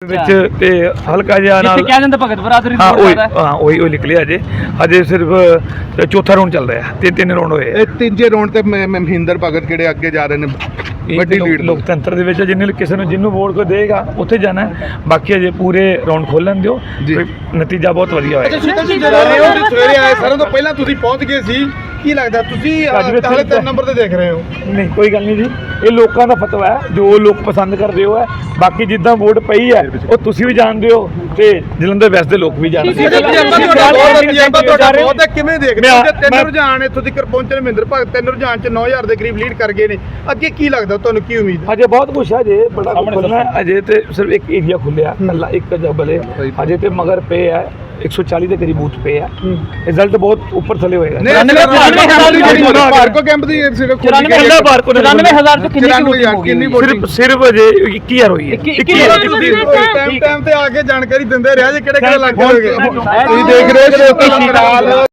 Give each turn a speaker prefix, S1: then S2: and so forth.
S1: ਵਿੱਚ ਤੇ ਹਲਕਾ ਜਿਹਾ ਨਾਲ
S2: ਕਹਿ ਦਿੰਦੇ ਭਗਤ ਬਰਾਦਰੀ
S1: ਹਾਂ ਉਹੀ ਨਿਕਲਿਆ ਅਜੇ ਸਿਰਫ ਚੌਥਾ ਰਾਉਂਡ ਚੱਲ ਰਿਹਾ ਤੇ 3 ਰਾਉਂਡ ਹੋਏ
S3: ਇਹ ਤੀਜੇ ਰਾਉਂਡ ਤੇ ਮਹਿੰਦਰ ਭਗਤ ਕਿਹੜੇ ਅੱਗੇ ਜਾ ਰਹੇ ਨੇ ਵੱਡੀ ਲੀਡ
S1: ਲੋਕਤੰਤਰ ਦੇ ਵਿੱਚ ਜਿੰਨੇ ਕਿਸੇ ਨੂੰ ਜਿਹਨੂੰ ਵੋਟ ਕੋ ਦੇਗਾ ਉੱਥੇ ਜਾਣਾ ਬਾਕੀ ਅਜੇ ਪੂਰੇ ਰਾਉਂਡ ਖੋਲਣ ਦਿਓ ਨਤੀਜਾ ਬਹੁਤ ਵਧੀਆ ਹੋਏਗਾ।
S3: ਸਵੇਰੇ ਆਏ ਸਾਰਿਆਂ ਤੋਂ ਪਹਿਲਾਂ ਤੁਸੀਂ ਪਹੁੰਚ ਗਏ ਸੀ ਕੀ ਲੱਗਦਾ ਤੁਸੀਂ ਹਾਲੇ 3 ਨੰਬਰ ਤੇ ਦੇਖ ਰਹੇ ਹੋ?
S1: ਨਹੀਂ ਕੋਈ ਗੱਲ ਨਹੀਂ ਜੀ ਇਹ ਲੋਕਾਂ ਦਾ ਫਤਵਾ ਹੈ ਜੋ ਲੋਕ ਪਸੰਦ ਕਰਦੇ ਹੋ ਹੈ ਬਾਕੀ ਜਿੱਦਾਂ ਵੋਟ ਪਈ ਹੈ ਉਹ ਤੁਸੀਂ ਵੀ ਜਾਣਦੇ ਹੋ ਤੇ ਜਲੰਧਰ ਵੈਸਟ ਦੇ ਲੋਕ ਵੀ ਜਾਣਦੇ
S3: ਬਹੁਤ ਕਿਵੇਂ ਦੇਖਦੇ ਹੋ? 3 ਰੁਝਾਨ ਇੱਥੋਂ ਤੱਕ ਪਹੁੰਚੇ ਮਹਿੰਦਰ ਭਗਤ 3 ਰੁਝਾਨ ਚ 9000 ਦੇ ਕਰੀਬ ਲੀਡ ਕਰ ਗਏ ਨੇ ਅੱਗੇ ਕੀ ਲੱਗਦਾ ਤੁਹਾਨੂੰ ਕੀ ਉਮੀਦ?
S1: ਅਜੇ ਬਹੁਤ ਕੁਛ ਹੈ ਅਜੇ ਬੜਾ ਖੁੱਲ੍ਹਣਾ ਹੈ ਅਜੇ ਤੇ ਸਿਰਫ ਇੱਕ ਏਰੀਆ ਖੁੱਲਿਆ ਕੱਲਾ ਇੱਕ ਜਬਲ ਹੈ ਅਜੇ ਤੇ ਮਗਰ ਪਏ ਹੈ 140 ਦੇ ਕਰੀਬ ਬੂਥ ਪਏ ਆ ਰਿਜ਼ਲਟ ਬਹੁਤ ਉੱਪਰ ਥੱਲੇ ਹੋਏਗਾ।
S3: ਪਾਰਕੋ ਕੈਂਪ ਦੀ
S2: 94000 ਤੋਂ ਕਿੰਨੀ
S1: ਸਿਰਫ ਅਜੇ 21000 ਹੋਈ ਹੈ।
S3: ਟਾਈਮ ਤੇ ਆ ਕੇ ਜਾਣਕਾਰੀ ਦਿੰਦੇ ਰਿਹਾ ਜੇ ਕਿਹੜੇ ਕਿਹੜੇ ਇਲਾਕੇ ਹੋਗੇ ਤੁਸੀਂ ਦੇਖ ਰਹੇ ਹੋ